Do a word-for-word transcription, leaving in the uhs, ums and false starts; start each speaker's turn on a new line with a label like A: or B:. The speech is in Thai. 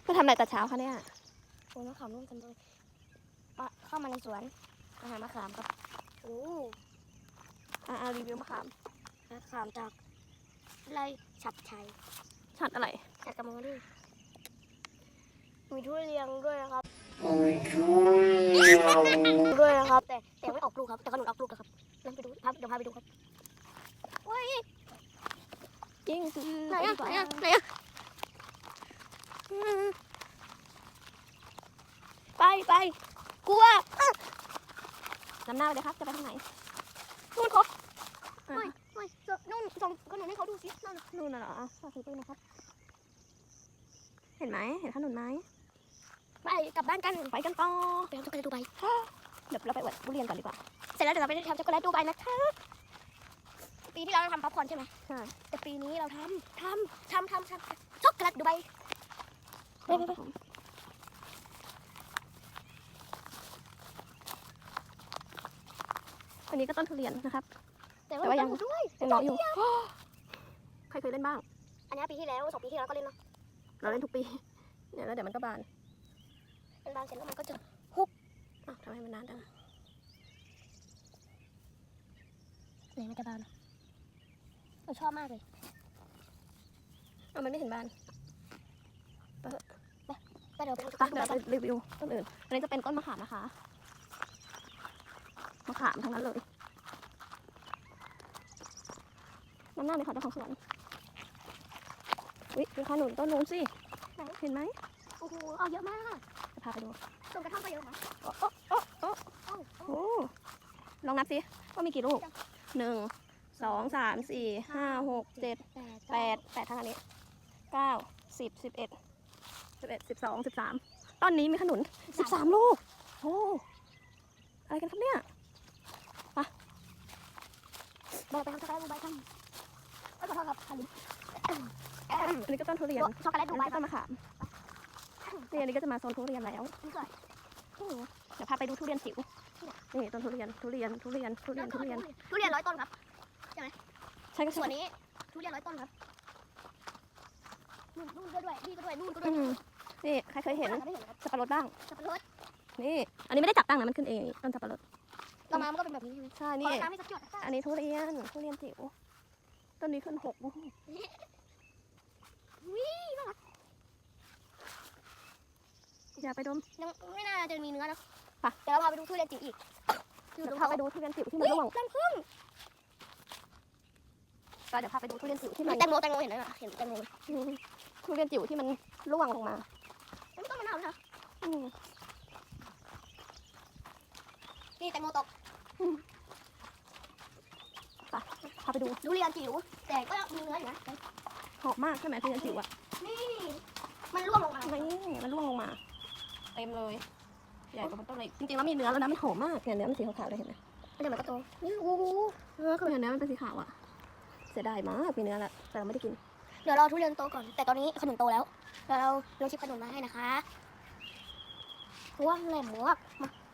A: มาทำอะไรแต่เช้าคะเนี่ย
B: โอ้ยมะขามร่วมกันเลยมาเข้ามาในสวนอาหารมะขามครับโอ้
A: อ่ารีวิวมะขาม
B: มะขามจากไรฉัดชัย
A: ฉัดอะไร
B: ฉัดกระมงด้วยมีทุเรียนด้วยนะครับด้วยนะครับแต่แต่ไม่ออกลูกครับแต่ขนุนออกลูกครับนั่นไปดูพาเดี๋ยวพาไปดูครับว้าย
A: จริง
B: ไหนอ่ะไหนอ่ะไหนอ่ะไปไปกลัวน
A: ำหน้าไปเลยครับจะไปทางไหน
B: นู่นครับไม่ไม่นู่นส่งขนมให้เขาดูสินั่น
A: นู่นน่ะเหรอขอถือปืนนะครับเห็นไหมเห็นขนุนไหม
B: ไปกลับบ้านกัน
A: ไปกันต่อ
B: ไปทำช็อกโกแลตดูใบ
A: เดี๋ยวเราไปอวดทุเรียนก่อนดีกว่า
B: เสร็จแล้วเดี๋ยวเราไปทำช็อกโกแลตดูใบนะคะปีที่แล้วเราทำป๊อปคอร์นใช่ไหม
A: ใช่
B: แต่ปีนี้เราทำทำทำทำทำช็อกโกแลตดูใบไปไปไป
A: อันนี้ก็ต้นทุเรียนนะครับ
B: แต่ว่ายังด้วย
A: ยังน้อยอยู่ใครเคยเล่นบ้าง
B: อันนี้ปีที่แล้วสองปีที่แล้วก็เล่นเนาะ
A: เราเล่นทุกปีเนี่ยแล้วเดี๋ยวมันก็บาน
B: มันบานเสร็จแล้วมันก็จะฮุบ
A: อ้าวทำไมมันนานจัง
B: ไหนมันจะบานเราชอบมากเลย
A: อ้าวมันไม่เห็นบาน
B: ไปไปเดี๋ยวไปทำช็อกโกแลต
A: เดี๋ยวไปรีวิวต้นอื่นอันนี้จะเป็นต้นมะขามนะคะมะขามทั้งนั้นเลยน้ำหน้าเลยค่ะเจ้าของสวนวิดูขนุนต้นนู้นสิเห็นไหม
B: โอ้โหเอาเยอะมาก
A: จะพาไปดู
B: ต้นกระท่อมก็เยอะนะ
A: โอ้โอ้โอ้โอ้โอ้ลองนับสิว่ามีกี่ลูกหนึ่งสองสามสี่ห้าหกเจ็ดแปดแปดทั้งอันนี้เก้าสิบสิบเอ็ดสิบเอ็ดสิบสองสิบสามต้นนี้มีขนุนสิบสามลูกโอ้อะไรกันครับเนี่ยไป
B: เราไปทำช็อกโกแลตดูใบกันก็ขอโทษครับอันนี้
A: อันนี้ก็ต้นทุเรียน
B: ช็อกโกแลตดูใบ
A: ต้นมะขามนี่อันนี้ก็จะมาโซนทุเรียนแล้วเดี๋ยวพาไปดูทุเรียนจิ๋วนี่ต้นทุเรียนทุเรียนทุเรียนทุเรียนทุเรียน
B: ทุเรียนร้อยต้นครับใช่ไหม
A: ใช่ก็
B: ส่วนนี้ทุเรียนร้อยต้นครับนู่นนู่นก็ด้วยนี่ก็ด้วยนู่นก็ด้วย
A: นี่ใครเคยเห็นสับปะรดบ้าง
B: สับปะรด
A: นี่อันนี้ไม่ได้จับตั้งนะมันขึ้นเองต้นสับปะรด
B: เรามามันก็เป็นแบบนี้
A: ใช่นี่อันนี้ทุเรียนทุเรียนจิ๋วต้นนี้ขึ้นหก
B: วิ่งน่ารัก
A: อย่าไปดม
B: ยังไม่น่าจะมีเนื้อนะป่ะเดี๋ยวเราพาไปดูทุเรียนจิ๋วอีก
A: เดี๋ยวพาไปดูทุเรียนจิ๋วที่มันร่วง
B: รังพึ่ง
A: ก็เดี๋ยวพาไปดูทุเรียนจิ๋วที่มัน
B: แตงโมแตงโมเห็นไหมล่ะเห็นแตงโม
A: ทุเรียนจิ๋วที่มันร่วงลงมา
B: ไม่ต้องมะนาวนะนี่แตงโมตก
A: ป่ะพาไปดู
B: ทุเรียนจิ๋วแต่ก็มีเนื้ออยู่นะ
A: หอมมากใช่ไหมทุเรียนจิ๋วอ่ะ
B: นี่มันร่วงลงมา
A: นี่มันร่วงลงมาเต็มเลยใหญ่กว่ามันต้นเลยจริงๆแล้วมีเนื้อแล้วนะมันหอมมากเนี่ยเนื้อมันสีขาวๆเลยเห็นไหม
B: เดี๋ยวมันก็โตนี่โอ้โห
A: เนื้อก็เนื้อมันเป็นสีขาวอ่ะเสียดายมากมีเนื้อแล้วแต่เราไม่ได้กิน
B: เดี๋ยวเราทุเรียนโตก่อนแต่ตอนนี้ขนุนโตแล้วเดี๋ยวเราลองชิมขนุนมาให้นะคะว้าวแหลมมากมา